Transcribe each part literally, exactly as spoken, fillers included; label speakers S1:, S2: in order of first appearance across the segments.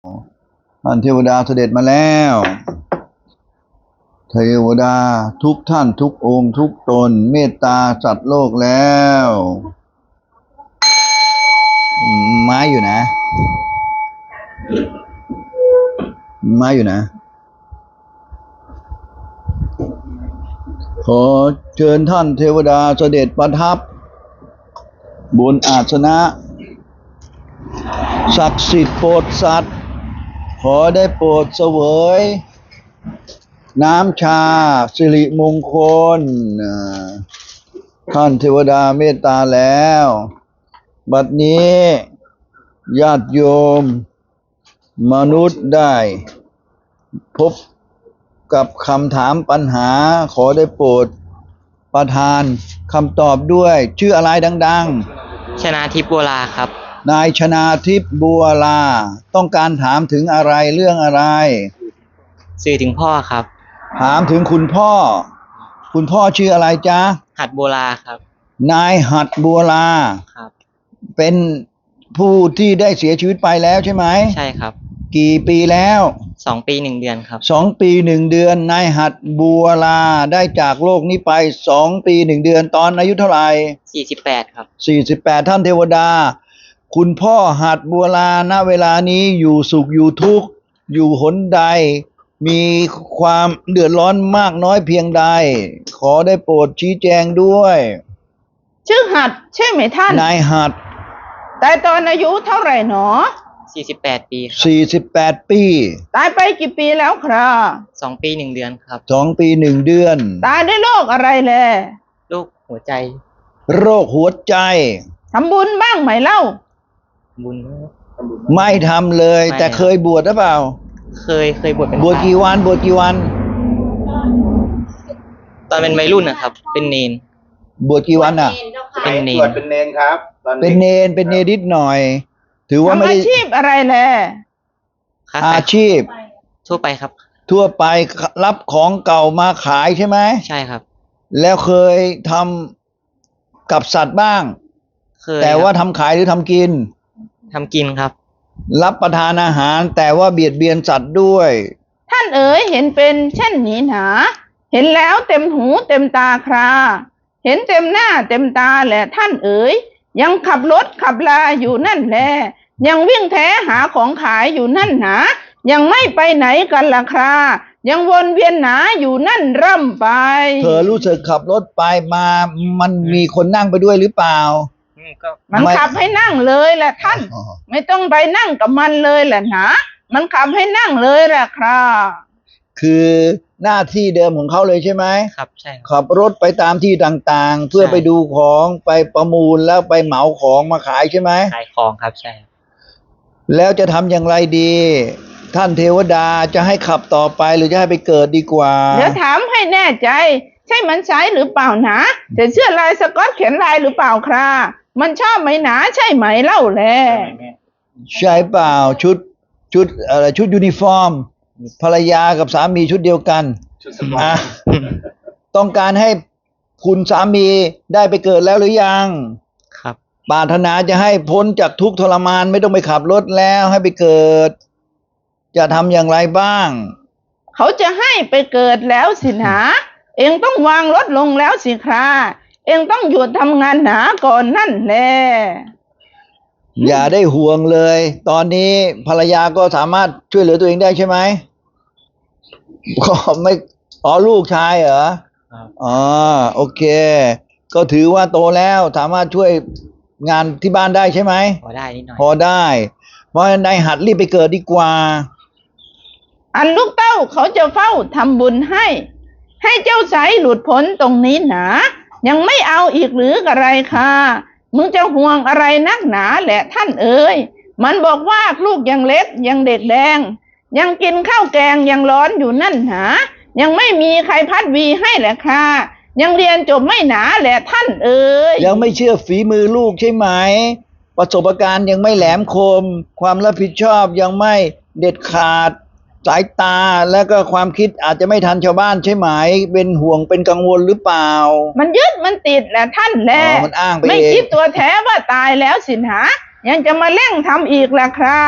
S1: ท่านเทวดาเสด็จมาแล้วเทวดาทุกท่านทุกองค์ทุกตนเมตตาสัตว์โลกแล้วไม้อยู่นะไม้อยู่นะขอเชิญท่านเทวดาเสด็จประทับบนอาสนะศักดิ์สิทธิ์โปรดสัตว์ขอได้โปรดเสวยน้ำชาสิริมงคลท่านเทวดาเมตตาแล้วบัดนี้ญาติโยมมนุษย์ได้พบกับคำถามปัญหาขอได้โปรดประทานคำตอบด้วยชื่ออะไรดัง
S2: ๆชนาทิพย์บัวลาครับ
S1: นายชนาทิพย์บัวลาต้องการถามถึงอะไรเรื่องอะไร
S2: สื่อถึงพ่อครับ
S1: ถามถึงคุณพ่อคุณพ่อชื่ออะไรจ๊ะ
S2: หัดบัวลาครับ
S1: นายหัดบัวลา
S2: ครับ
S1: เป็นผู้ที่ได้เสียชีวิตไปแล้วใช่ไหม
S2: ใช่ครับ
S1: กี่ปีแล้ว
S2: สองปีหนึ่งเดือนครับ
S1: สองปีหนึ่งเดือนนายหัดบัวลาได้จากโลกนี้ไปสองปีหนึ่งเดือนตอนอายุเท่าไหร่
S2: สี่สิบแปดครับ
S1: สี่สิบแปดท่านเทวดาคุณพ่อหัดบัวลาณเวลานี้อยู่สุขอยู่ทุกข์อยู่หนใดมีความเดือดร้อนมากน้อยเพียงใดขอได้โปรดชี้แจงด้วย
S3: ชื่อหัดใช่ไหมท่าน
S1: นายหัด
S3: แต่ตอนอายุเท่าไหร่หนอ
S2: สี่สิบแปดปีครับ
S1: สี่สิบแปดปี
S3: ตายไปกี่ปีแล้วครับ
S2: สองปีหนึ่งเดือนครับ
S1: สองปีหนึ่งเดือน
S3: ตายด้วยโรคอะไรแล
S2: โรคหัวใจ
S1: โรคหัวใจ
S3: ทำบุญบ้างไหมเล่า
S2: บุญ
S1: ไม่ทำเลยแต่เคยบวชหรือเปล่า
S2: เคยเคยบวชเป็น
S1: บวชกี่วันบวชกี่วัน
S2: ตอนเป็นวัยรุ่นนะครับเป็นเนน
S1: บวชกี่วันอ่ะ
S2: เป็นเนน
S4: บวชเป็นเนนครับ
S1: เป็นเนนเป็นเนนนิดหน่อยถือว่าไม่ได้
S3: อาชีพอะไรแล
S1: อาชีพ
S2: ทั่วไปครับ
S1: ทั่วไปรับของเก่ามาขายใช่ไหม
S2: ใช่ครับ
S1: แล้วเคยทำกับสัตว์บ้าง
S2: เคย
S1: แต่ว่าทำขายหรือทำกิน
S2: ทำกินครับ
S1: รับประทานอาหารแต่ว่าเบียดเบียนสัตว์ด้วย
S3: ท่านเอ๋ยเห็นเป็นเช่นนี้หนาเห็นแล้วเต็มหูเต็มตาคราเห็นเต็มหน้าเต็มตาแหละท่านเอ๋ยยังขับรถขับลาอยู่นั่นแหละยังวิ่งแท้หาของขายอยู่นั่นหนายังไม่ไปไหนกันล่ะครายังวนเวียนหนาอยู่นั่นร่ำไป
S1: เธอรู้สึกขับรถไปมามันมีคนนั่งไปด้วยหรือเปล่า
S3: มันขับให้นั่งเลยแหละท่านไม่ต้องไปนั่งกับมันเลยแหละนะมันขับให้นั่งเลยแหละครับ
S1: คือหน้าที่เดิมของเขาเลยใช่ไหม
S2: ครับใช่
S1: ขับรถไปตามที่ต่างๆเพื่อไปดูของไปประมูลแล้วไปเหมาของมาขายใช่ไหม
S2: ขายของครับใช่
S1: แล้วจะทำอย่างไรดีท่านเทวดาจะให้ขับต่อไปหรือจะให้ไปเกิดดีกว่า
S3: เดี๋ยวถามให้แน่ใจใช่มันใช้หรือเปล่านะจะเสื้อลายสก๊อตเขียนลายหรือเปล่าครับมันชอบไหมหนาใช่ไหมเล่าแล
S1: ใช่เปล่าชุดชุดอะไรชุดยูนิฟอร์มภรรยากับสามีชุดเดียวกันต้องการให้คุณสามีได้ไปเกิดแล้วหรือยัง
S2: ครับ
S1: ปรารถนาจะให้พ้นจากทุกข์ทรมานไม่ต้องไปขับรถแล้วให้ไปเกิดจะทำอย่างไรบ้าง
S3: เขาจะให้ไปเกิดแล้วสินะเองต้องวางรถลงแล้วสิคราเองต้องหยุดทำงานหนาก่อนนั่นแหละ
S1: อย่าได้ห่วงเลยตอนนี้ภรรยาก็สามารถช่วยเหลือตัวเองได้ใช่ไหมก็ไม่อ๋อลูกชายเหรออ๋อโอเคก็ถือว่าโตแล้วสามารถช่วยงานที่บ้านได้ใช่ไหม
S2: พอได้นิดหน่อย
S1: พอได้เพราะนายหัดรีบไปเกิดดีกว่า
S3: อันลูกเต้าเขาจะเฝ้าทำบุญให้ให้เจ้าสายหลุดพ้นตรงนี้หนายังไม่เอาอีกหรืออะไรค่ะมึงจะห่วงอะไรนักหนาแหละท่านเอ๋ยมันบอกว่าลูกยังเล็กยังเด็กแดงยังกินข้าวแกงยังร้อนอยู่นั่นหนายังไม่มีใครพัดวีให้แหละค่ะยังเรียนจบไม่หนาแหละท่านเอ๋ย
S1: ยังไม่เชื่อฝีมือลูกใช่ไหมประสบการณ์ยังไม่แหลมคมความรับผิดชอบยังไม่เด็ดขาดสายตาและก็ความคิดอาจจะไม่ทันชาวบ้านใช่ไหมเป็นห่วงเป็นกังวลหรือเปล่า
S3: มันยึดมันติดแหละท่านแล
S1: อ๋อมันอ้างไปเอง
S3: ไม่คิดตัวแท้ว่าตายแล้วสินหายังจะมาเร่งทำอีกล่ะครับ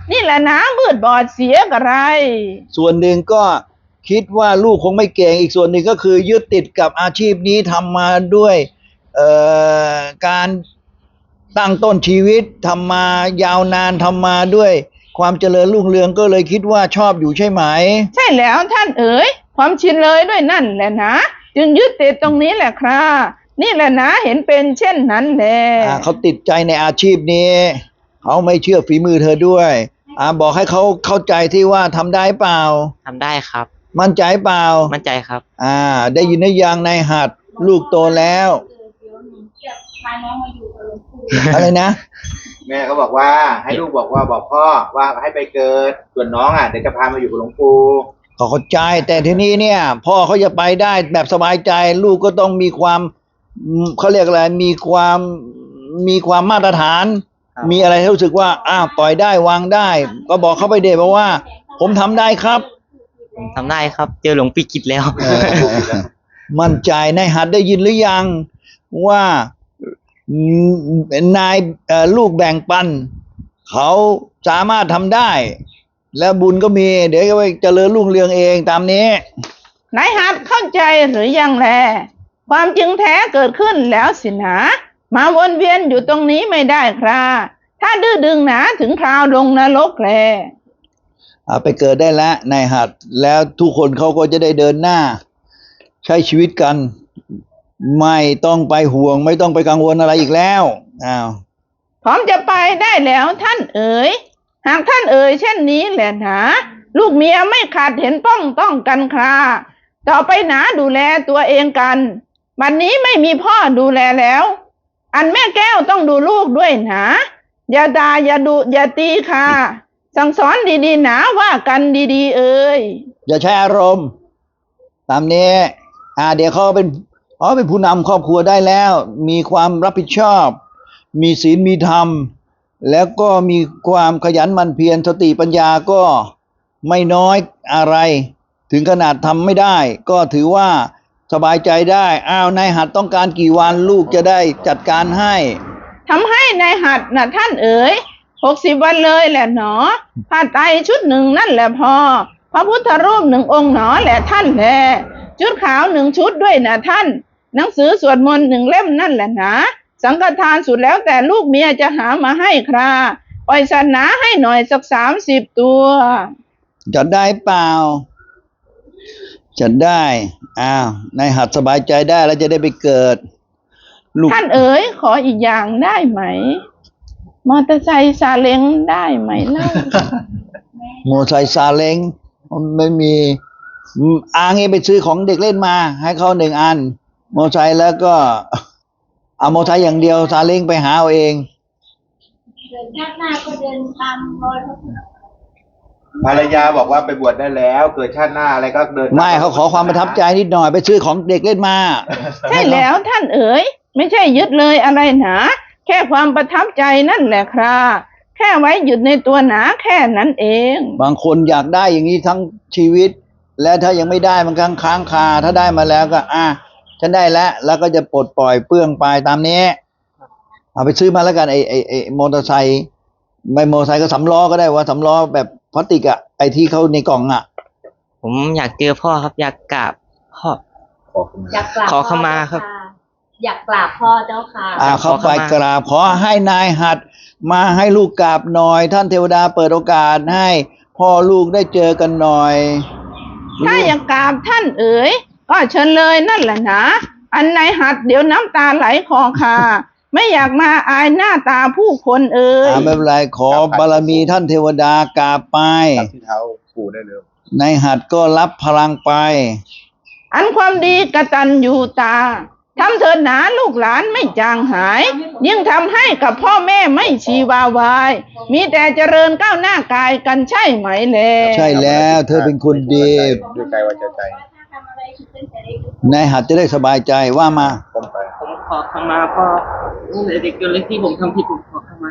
S3: นี่แหละนะมืดบอดเสียกระไร
S1: ส่วนหนึ่งก็คิดว่าลูกคงไม่เก่งอีกส่วนหนึ่งก็คือยึดติดกับอาชีพนี้ทำมาด้วยเอ่อการตั้งต้นชีวิตทำมายาวนานทำมาด้วยความเจริญรุ่งเรืองก็เลยคิดว่าชอบอยู่ใช่ไหม
S3: ใช่แล้วท่านเอ๋ยความชินเลยด้วยนั่นแหละนะจึงยึดติดตรงนี้แหละครับนี่แหละนะเห็นเป็นเช่นนั้นแหละ
S1: อ่าเขาติดใจในอาชีพนี้เขาไม่เชื่อฝีมือเธอด้วยอ่าบอกให้เขาเข้าใจที่ว่าทำได้เปล่า
S2: ทำได้ครับ
S1: มั่นใจเปล่า
S2: มั่นใจครับ
S1: อ่า ได้ยินได้ยังในหัดลูกโตแล้ว
S4: พาน้องมาอยู่กับหลวงปู่
S1: อะไรนะ
S5: แม่เขาบอกว่าให้ลูกบอกว่าบอกพ่อว่าให้ไปเกิดส่วนน้องอ่ะเดี๋ยวจะพามาอยู่กับหลวงปู่
S1: ก็เข้าใจแต่ทีนี้เนี่ย พ่อเขาจะไปได้แบบสบายใจ ลูกก็ต้องมีความอืมเขาเรียกอะไรมีความมีความมาตรฐาน
S2: ครับ
S1: มีอะไรให้รู้สึกว่าอ้าวปล่อยได้วางได้ ก็บอกเขาไปเดชบอกว่า ผมทำได้ครับ
S2: ผมทำได้ครับ เจอหลวงปีกิจแล้ว
S1: เออมั่นใจนายหัดได้ยินหรือยังว่าอืมนายเอ่อลูกแบ่งปัน เขาสามารถทำได้ แล้วบุญก็มี เดี๋ยวก็ไปเจริญรุ่งเรืองเองตามนี้
S3: นายหัดเข้าใจหรือยังแลความจริงแท้เกิดขึ้นแล้วสินะมาวนเวียนอยู่ตรงนี้ไม่ได้ครับถ้าดื้อดึงหนาถึงคราวลงนรกแล
S1: อ่าไปเกิดได้แล้วนายหัดแล้วทุกคนเขาก็จะได้เดินหน้า ใช้ชีวิตกัน ไม่ต้องไปห่วง ไม่ต้องไปกังวลอะไรอีกแล้วอ้าว
S3: พร้อมจะไปได้แล้วท่านเอ๋ยหากท่านเอ๋ยเช่นนี้แหละหนาลูกเมียไม่ขาดเห็นป้องต้องกันคราต่อไปหนาดูแลตัวเองกันบัดนนี้ไม่มีพ่อดูแลแล้ว อันแม่แก้วต้องดูลูกด้วยหนาอย่าด่าอย่าดุอย่าตีค่ะ สั่งสอนดีๆหนาว่ากันดีๆเอ๋ย
S1: อย่าใช้อารมณ์ ตามนี้อ่าเดี๋ยวเขาเป็นอ๋อเป็นผู้นำครอบครัวได้แล้ว มีความรับผิดชอบ มีศีลมีธรรม แล้วก็มีความขยันหมั่นเพียรสติปัญญาก็ไม่น้อยอะไร ถึงขนาดทำไม่ได้ ก็ถือว่าสบายใจได้อ้าวนายหัดต้องการกี่วันลูกจะได้จัดการให้
S3: ทำให้ในายหัดนะท่านเอ๋ยหกสิบวันเลยแหละหนอผ้าไตรชุดหนึ่งนั่นแหละพอพระพุทธรูปหนึ่งองค์หนอแหละท่านแลชุดขาวหนึ่งชุดด้วยนะท่าน หนังสือสวดมนต์หนึ่งเล่มนั่นแหละนะสังฆทานสุดแล้วแต่ลูกเมียจะหามาให้คราปล่อยศาสนาให้หน่อยสักสามสิบตัว
S1: จัดได้เปล่า จัดได้อ้าวนายหัดสบายใจได้แล้วจะได้ไปเกิด ลูก
S3: ท่านเอ๋ยขออีกอย่างได้ไหม มอเตอร์ไซค์ซาเล้งได้ไหมเล่า
S1: โมไซค์ซาเล้งไม่มีอืมอางี้ไปซื้อของเด็กเล่นมา ให้เขาหนึ่งอัน โมไซค์แล้วก็ เอาโมไซค์อย่างเดียวซาเล้งไปหาเอาเอง
S4: เดินชาติหน้าก็เดินตามรอยพระพุทธ
S5: ภรรยาบอกว่าไปบวชได้แล้ว เกิดชาติหน้าอะไรก็เดิน
S1: ไม่เขาขอความประทับใจนิดหน่อยไปซื้อของเด็กเล่นมา
S3: ใช่แล้วท่านเอ๋ยไม่ใช่ยึดเลยอะไรหนาแค่ความประทับใจนั่นแหละครับแค่ไว้หยุดในตัวหนาแค่นั้นเอง
S1: บางคนอยากได้อย่างนี้ทั้งชีวิต และถ้ายังไม่ได้มันค้างค้างคาถ้าได้มาแล้วก็ อ่ะฉันได้แล้วแล้วก็จะปลดปล่อยเปลื้องไปตามนี้เอาไปซื้อมาแล้วกันไอไอไอมอเตอร์ไซค์ไม่มอเตอร์ไซค์ก็สำล้อก็ได้ว่าสำล้อแบบพลาสติกอะไอที่เขาในกล่องอะ
S2: ผมอยากเจอพ่อครับ อยากกราบพ่อ
S5: ขอบคุณ
S4: อยากกราบ
S2: ขอเข้ามาครับ
S4: พ่อเจ้าะอยากกราบพ่อเจ้าค่ะ
S1: อ่าเขาไปกราบขอให้นายหัดมาให้ลูกกราบหน่อย ท่านเทวดาเปิดโอกาสให้พ่อลูกได้เจอกันหน่อย
S3: ถ้าอยากกราบท่านเอ๋ยก็เชิญเลยนั่นแหละนะอันไหนหัดเดี๋ยวน้ำตาไหลคอค่ะ ไม่อยากมาอายหน้าตาผู้คนเอ๋ย
S1: อ่าไม่เป็นไรขอบารมีท่านเทวดากราบไป
S5: จับที่เท้าปู่ได้เลย
S1: นายหัดก็รับพลังไป
S3: อันความดีกตัญญูตาทำเถิดหนาลูกหลานไม่จางหาย ยิ่งทำให้กับพ่อแม่ไม่ชีวาวาย มีแต่เจริญก้าวหน้ากายกันใช่ไหมแล
S1: ใช่แล้วเธอเป็นคนดี
S5: ด้วยใจว่าจะใจ
S4: ถ้าทำอะไรคือเป็นแต่เด็ก
S1: นายหัดจะได้สบายใจว่ามา
S5: ก้มไป
S2: ผมขอขมาพ่อตั้งแต่เด็กจนเล็กที่ผมทำผิดผมขอขมา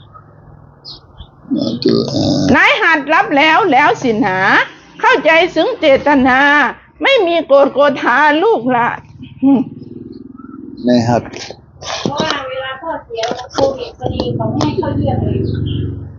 S3: นายหัดรับแล้วแล้วสินะเข้าใจซึ้งเจตนา ไม่มีโกรธโกธาลูกละอืม
S1: นายหัด
S4: เพราะว่าเวลาพ่อเสียโควิดพอดีเขาไม่ให้เข้าเยี่ยมเลย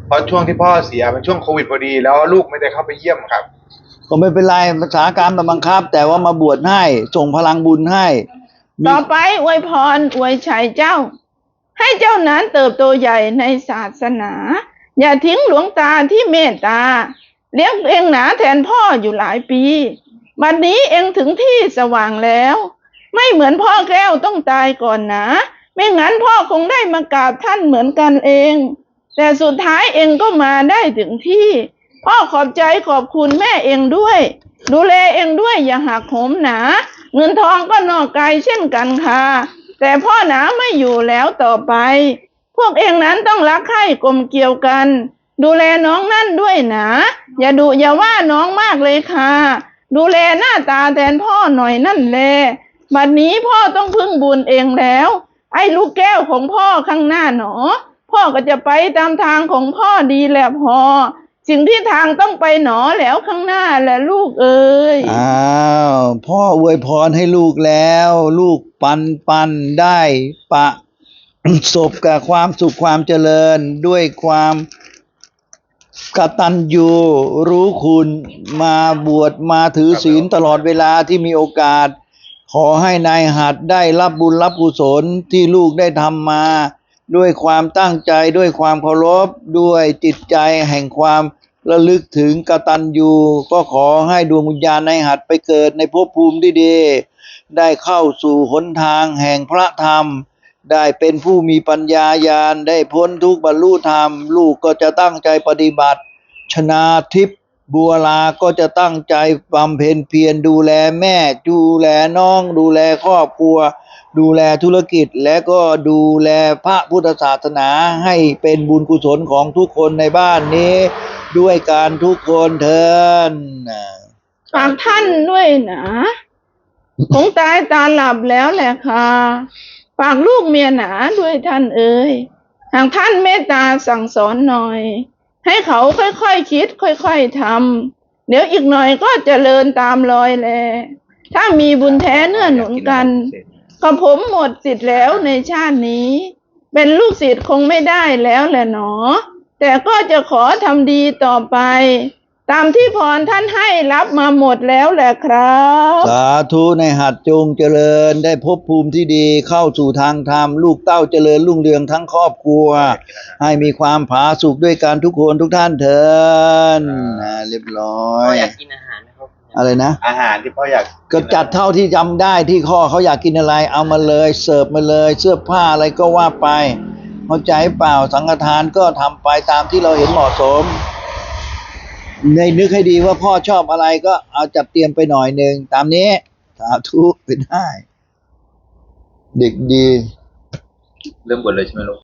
S5: เพราะช่วงที่พ่อเสียเป็นช่วงโควิดพอดีแล้วลูกไม่ได้เข้าไปเยี่ยมครับ
S1: ก็ไม่เป็นไรภาษากรรมบังคับ แต่ว่ามาบวชให้ส่งพลังบุญให้มี
S3: ต่อไปอวยพรอวยชัยเจ้า ให้เจ้านั้นเติบโตใหญ่ในศาสนา อย่าทิ้งหลวงตาที่เมตตาเลี้ยงเองหนาแทนพ่ออยู่หลายปีบัดนี้เองถึงที่สว่างแล้ว ไม่เหมือนพ่อแก้วต้องตายก่อนนะไม่งั้นพ่อคงได้มากราบท่านเหมือนกันเอง แต่สุดท้ายเองก็มาได้ถึงที่ พ่อขอบใจขอบคุณแม่เองด้วย ดูแลเองด้วยอย่าหักโหมหนาเงินทองก็นอกกายเช่นกันค่ะแต่พ่อหนาไม่อยู่แล้วต่อไป พวกเองนั้นต้องรักใคร่กลมเกลียวกัน ดูแลน้องนั่นด้วยนะอย่าดุอย่าว่าน้องมากเลยค่ะดูแลหน้าตาแทนพ่อหน่อยนั่นแหละบัดนี้พ่อต้องพึ่งบุญเองแล้วไอ้ลูกแก้วของพ่อข้างหน้าหนอพ่อก็จะไปตามทางของพ่อดีแหละพอสิ่งที่ทางต้องไปหนอแล้วข้างหน้าแหละลูกเอ๋ย
S1: อ้าวพ่ออวยพรให้ลูกแล้ว ลูกปันปันได้ปะ สบกับความสุขความเจริญด้วยความกตัญญูรู้คุณมาบวชมาถือศีลตลอดเวลาที่มีโอกาส ขอให้นายหัดได้รับบุญรับกุศลที่ลูกได้ทำมา ด้วยความตั้งใจด้วยความเคารพด้วยจิตใจแห่งความระลึกถึงกตัญญูก็ขอให้ดวงวิญญาณนายหัดไปเกิดในภพภูมิที่ดีได้เข้าสู่หนทางแห่งพระธรรมได้เป็นผู้มีปัญญาญาณได้พ้นทุกข์บรรลุธรรมลูกก็จะตั้งใจปฏิบัติชนาทิพย์บัวลาก็จะตั้งใจบำเพ็ญเพียรดูแลแม่ดูแลน้องดูแลครอบครัวดูแลธุรกิจและก็ดูแลพระพุทธศาสนาให้เป็นบุญกุศลของทุกคนในบ้านนี้ด้วยการทุกคนเถิด
S3: ฝากท่านด้วยนะคงตายตาหลับแล้วแหละค่ะฝากลูกเมียหนาด้วยท่านเอ๋ยหากท่านเมตตาสั่งสอนหน่อยให้เขาค่อยๆ ค, คิดค่อยๆทำเดี๋ยวอีกหน่อยก็เจริญตามรอยแลถ้ามีบุญแท้เนื้อหนุนกันก็ผมหมดสิทธิ์แล้วในชาตินี้เป็นลูกศิษย์คงไม่ได้แล้วแหละหนอแต่ก็จะขอทำดีต่อไปตามที่พรท่านให้รับมาหมดแล้วแหละครับ
S1: สาธุในหัดจงเจริญได้ภพภูมิที่ดีเข้าสู่ทางธรรมลูกเต้าเจริญรุ่งเรืองทั้งครอบครัวให้มีความผาสุกด้วยกันทุกคนทุกท่านเถิดนะเรียบร้อ
S2: พ่อย อยากกินอาหารนะครับ
S1: อะไรนะ
S5: อาหารที่พ่ออยาก
S1: ก็จัดเท่าที่จำได้ที่ข้อเขาอยากกินอะไรเอามาเลยเสิร์ฟมาเลยเสื้อผ้าอะไรก็ว่าไปเข้าใจเปล่าสังฆทานก็ทำไปตามที่เราเห็นเหมาะสมในนึกให้ดีว่าพ่อชอบอะไรก็เอาจัดเตรียมไปหน่อยหนึ่งตามนี้สาธุไปได้เด็กดี
S5: เริ่มบวชเลยใช่ไหมลูก